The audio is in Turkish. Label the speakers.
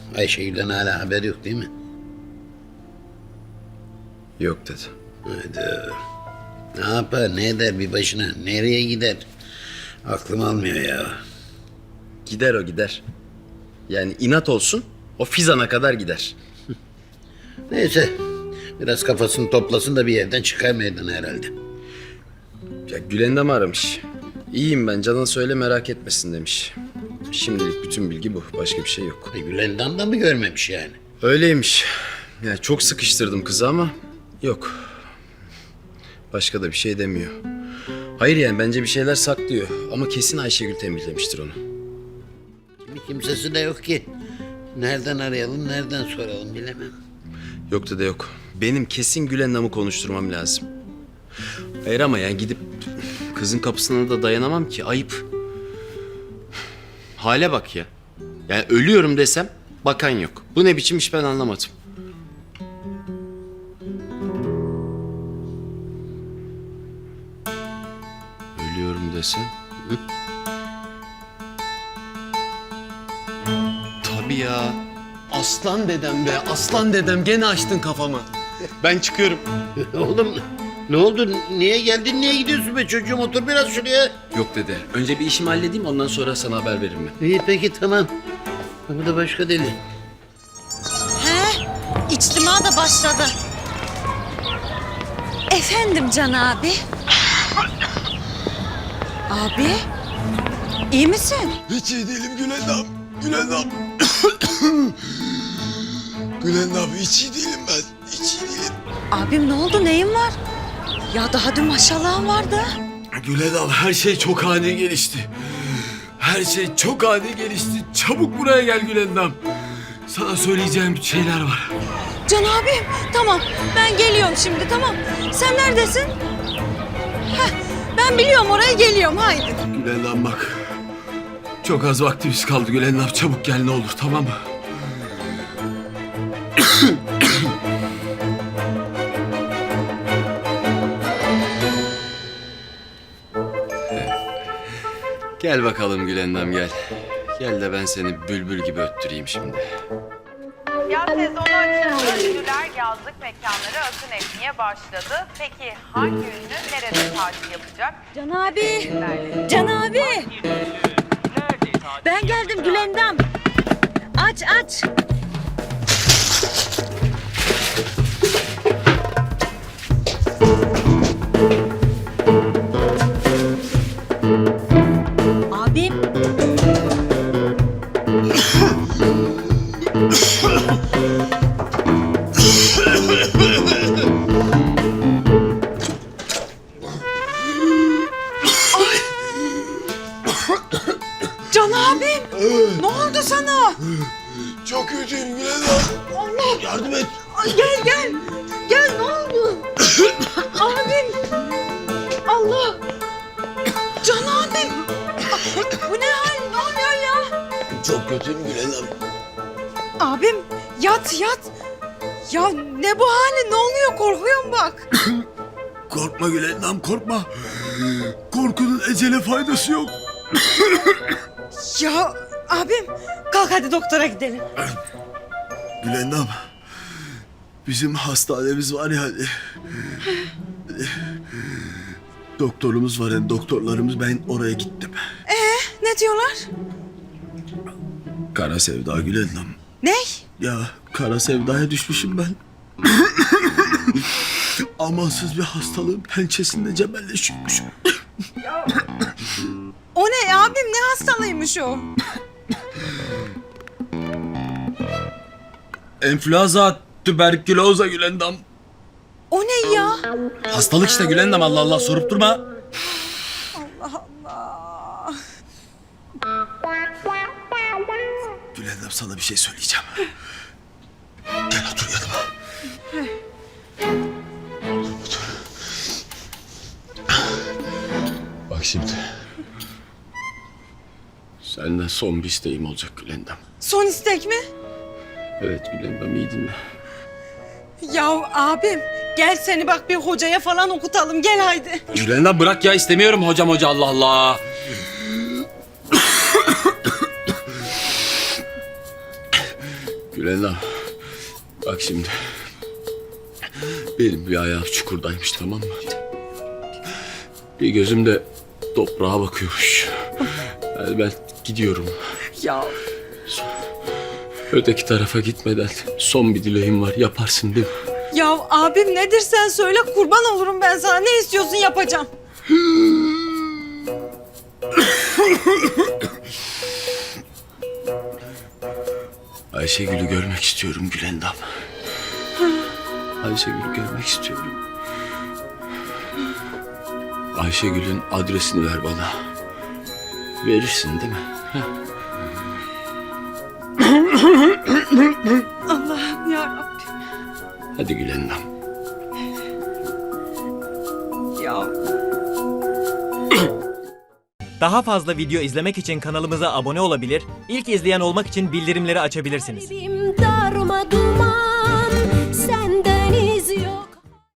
Speaker 1: Ayşegül'den hala haber yok değil mi?
Speaker 2: Yok dedi.
Speaker 1: Haydi. Ne yapar, ne eder bir başına, nereye gider? Aklım almıyor ya.
Speaker 2: Gider o gider. Yani inat olsun o Fizan'a kadar gider.
Speaker 1: Neyse, biraz kafasını toplasın da bir yerden çıkar meydana herhalde.
Speaker 2: Ya Gülendam aramış. İyiyim ben, canın söyle merak etmesin demiş. Şimdilik bütün bilgi bu, başka bir şey yok.
Speaker 1: Gülendam da mı görmemiş yani?
Speaker 2: Öyleymiş. Ya çok sıkıştırdım kızı ama yok. Başka da bir şey demiyor. Hayır yani bence bir şeyler saklıyor ama kesin Ayşegül tembihlemiştir onu.
Speaker 1: Kimsesi de yok ki. Nereden arayalım, nereden soralım bilemem.
Speaker 2: Yok da yok. Benim kesin Gülendam'ı konuşturmam lazım. Hayır ama yani gidip kızın kapısına da dayanamam ki, ayıp. Hale bak ya. Yani ölüyorum desem bakan yok. Bu ne biçim iş ben anlamadım. Ölüyorum desem. Hı? Tabii ya. Aslan dedem be, aslan dedem gene açtın kafamı. Ben çıkıyorum.
Speaker 1: Oğlum ne oldu? Niye geldin? Niye gidiyorsun be çocuğum? Otur biraz şuraya.
Speaker 2: Yok dede, önce bir işimi halledeyim ondan sonra sana haber veririm ben.
Speaker 1: İyi peki tamam. Bu da başka deli.
Speaker 3: He, içtima da başladı. Efendim Can abi. Abi, iyi misin?
Speaker 4: Hiç iyi değilim Gülendam. Gülendam. Gülendam hiç iyi değilim ben. Hiç iyi değilim.
Speaker 3: Abim ne oldu, neyin var? Ya daha dün maşallahın vardı.
Speaker 4: Gülendam her şey çok ani gelişti. Her şey çok ani gelişti. Çabuk buraya gel Gülendam. Sana söyleyeceğim şeyler var.
Speaker 3: Can abim, tamam ben geliyorum şimdi, tamam. Sen neredesin? Heh, ben biliyorum oraya geliyorum, haydi.
Speaker 4: Gülendam bak. Çok az vaktimiz kaldı Gülendam. Çabuk gel ne olur, tamam mı?
Speaker 2: Gel bakalım Gülendam gel. Gel de ben seni bülbül gibi öttüreyim şimdi.
Speaker 5: Yaz sezonu açıldı. Ünlüler yazlık mekanlara akın etmeye başladı. Peki hangi ünlü nerede tatil yapacak?
Speaker 3: Can abi, Can abi. Ben geldim Gülendam. Aç, aç. Abim. Can abim. Ne oldu sana?
Speaker 4: Çok kötüyüm Gülendam.
Speaker 3: Allah.
Speaker 4: Yardım et.
Speaker 3: Ay, gel gel. Gel, ne oldu? Abim. Allah. Can abim. Bu ne hal? Ne oluyor ya?
Speaker 4: Çok kötüyüm Gülendam.
Speaker 3: Abim yat yat. Ya ne bu hali? Ne oluyor? Korkuyorum bak.
Speaker 4: Korkma Gülendam, korkma. Korkunun ecele faydası yok.
Speaker 3: Ya abim kalk hadi doktora gidelim.
Speaker 4: Gülendam, bizim hastanemiz var ya hani. Doktorumuz var yani doktorlarımız, ben oraya gittim.
Speaker 3: Ne diyorlar?
Speaker 4: Kara sevda Gülendam.
Speaker 3: Ne?
Speaker 4: Ya kara sevdaya düşmüşüm ben. Amansız bir hastalığın pençesinde cebelleşiyormuşum.
Speaker 3: O ne abim, ne hastalıymış o?
Speaker 4: Enfluenza, tüberküloza Gülendam.
Speaker 3: O ne ya?
Speaker 4: Hastalık işte Gülendam, Allah Allah sorup durma.
Speaker 3: Allah Allah.
Speaker 4: Gülendam sana bir şey söyleyeceğim. Gel otur yanıma. Otur. Bak şimdi.
Speaker 2: Senden son bir isteğim olacak Gülendam.
Speaker 3: Son istek mi?
Speaker 2: Evet Gülendam iyi dinle.
Speaker 3: Ya abim gel seni bak bir hocaya falan okutalım, gel haydi.
Speaker 2: Gülendam bırak ya, istemiyorum hocam Allah Allah.
Speaker 4: Gülendam, bak şimdi. Benim bir ayağım çukurdaymış, tamam mı? Bir gözüm de toprağa bakıyormuş. Yani ben gidiyorum.
Speaker 3: Ya
Speaker 4: Öteki tarafa gitmeden son bir dileğim var. Yaparsın değil mi?
Speaker 3: ya abim nedir sen söyle kurban olurum ben sana. Ne istiyorsun yapacağım.
Speaker 4: Ayşegül'ü görmek istiyorum Gülendam. Ayşegül'ü görmek istiyorum. Ayşegül'ün adresini ver bana. Verirsin değil mi?
Speaker 3: Allah'ım ya Rabbim.
Speaker 4: Hadi Gülendam.
Speaker 3: Ya
Speaker 6: Daha fazla video izlemek için kanalımıza abone olabilir, ilk izleyen olmak için bildirimleri açabilirsiniz.
Speaker 7: Kalbim darmadağın.